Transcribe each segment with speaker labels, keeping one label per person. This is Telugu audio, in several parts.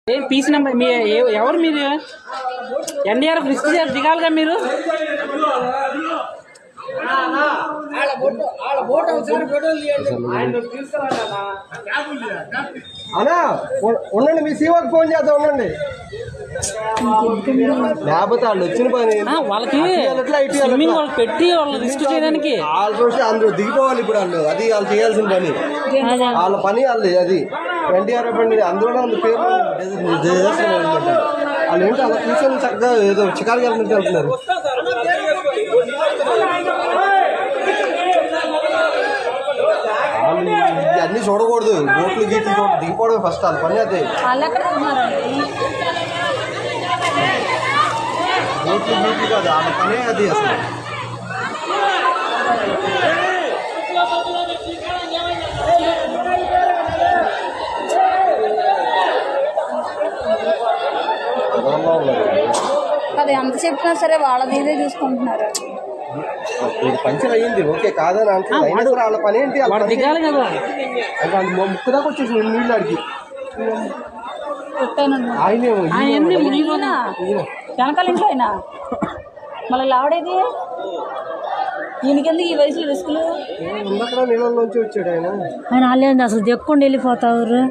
Speaker 1: పీస్ నెంబర్ మీ ఎవరు మీరు? ఎన్డీఆర్ఎఫ్ లిస్ట్ దిగాలిగా మీరు.
Speaker 2: అన్నా ఉండండి, మీ సీఓకి ఫోన్ చేద్దాం ఉండండి. లేకపోతే వాళ్ళు వచ్చిన పని
Speaker 1: వాళ్ళకి పెట్టి వాళ్ళు రిస్క్ చేయడానికి
Speaker 2: వాళ్ళు చూస్తే అందరూ దిగిపోవాలి. ఇప్పుడు వాళ్ళు అది వాళ్ళు చేయాల్సిన పని, వాళ్ళ పని వాళ్ళు. అది ఎన్డీఆర్ఎఫ్ అండి, అందులో పేరు వాళ్ళు ఏంటో అలా కూర్చొని చక్కగా ఏదో చికారు వెళ్ళినట్టు వెళ్తున్నారు. అన్ని చూడకూడదు, బోట్లు గీట్లు దిగిపోవడం ఫస్ట్ వాళ్ళ పని. అదే బోట్లు గీట్లు కాదు, వాళ్ళ పనే అది అసలు.
Speaker 3: అది ఎంత చెప్పినా సరే వాళ్ళది ఇదే చూసుకుంటున్నారు.
Speaker 2: పంచర్ అయ్యింది, ఓకే కాదని అంటున్నారు. అయినా కూడా వాళ్ళ పని ఏంటి?
Speaker 1: దిగాలి కదా.
Speaker 2: ముక్కు దాకా వచ్చేసి నీళ్ళు అడిగి
Speaker 3: వెనకాల ఇంట్లో అయినా మళ్ళీ లావడేది ఈయనకెందుకు ఈ వయసులో రిస్కులు?
Speaker 2: ఉన్నక్కడ నీళ్ళలోంచి వచ్చాడు ఆయన.
Speaker 3: ఆయన అసలు చెప్పుకుండా వెళ్ళిపోతారు.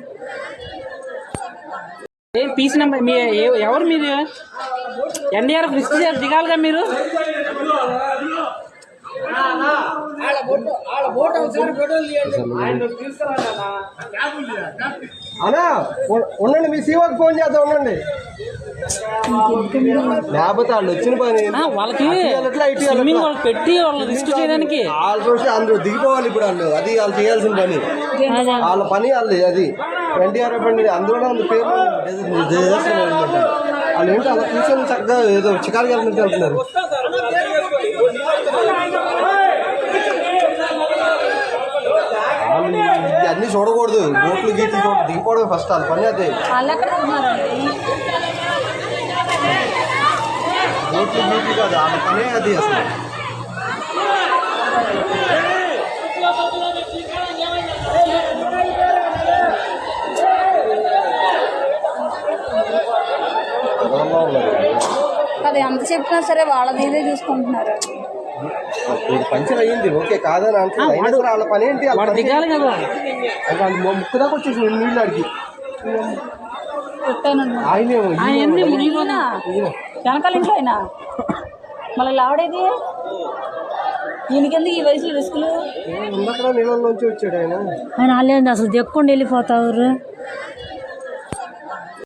Speaker 1: పీస్ నెంబర్ మీ ఎవరు మీరు? ఎన్డీఆర్ఎఫ్ లిస్ట్ దిగాలిగా మీరు.
Speaker 2: అన్నా ఉండండి, మీ సీఓకి ఫోన్ చేద్దాం ఉండండి. లేకపోతే వాళ్ళు వచ్చిన పని
Speaker 1: వాళ్ళకి పెట్టి వాళ్ళు రిస్క్ చేయడానికి
Speaker 2: వాళ్ళు చూస్తే అందరూ దిగిపోవాలి. ఇప్పుడు వాళ్ళు అది వాళ్ళు చేయాల్సిన పని, వాళ్ళ పని వాళ్ళు. అది ఎన్డీఆర్ఎఫ్ అండి, అందులో పేరు వాళ్ళు ఏంటో అలా కూర్చొని చక్కగా ఏదో చికారు వెళ్ళినట్టు వెళ్తున్నారు. అన్ని చూడకూడదు, బోట్లు గీట్లు దిగిపోవడం ఫస్ట్ వాళ్ళ పని. అదే బోట్లు గీట్లు కాదు, వాళ్ళ పనే అది అసలు.
Speaker 3: అది ఎంత చెప్పినా సరే వాళ్ళది ఇదే చూసుకుంటున్నారు.
Speaker 2: పంచర్ అయ్యింది, ఓకే కాదని అంటున్నారు. అయినా కూడా వాళ్ళ పని ఏంటి?
Speaker 1: దిగాలి కదా.
Speaker 2: ముక్కు దాకా వచ్చేసి నీళ్ళు అడిగి
Speaker 3: వెనకాల ఇంట్లో అయినా మళ్ళీ లావడేది ఈయనకెందుకు ఈ వయసులో రిస్కులు?
Speaker 2: ఉన్నక్కడ నీళ్ళలోంచి వచ్చాడు ఆయన.
Speaker 3: ఆయన అసలు చెప్పుకుండా వెళ్ళిపోతారు.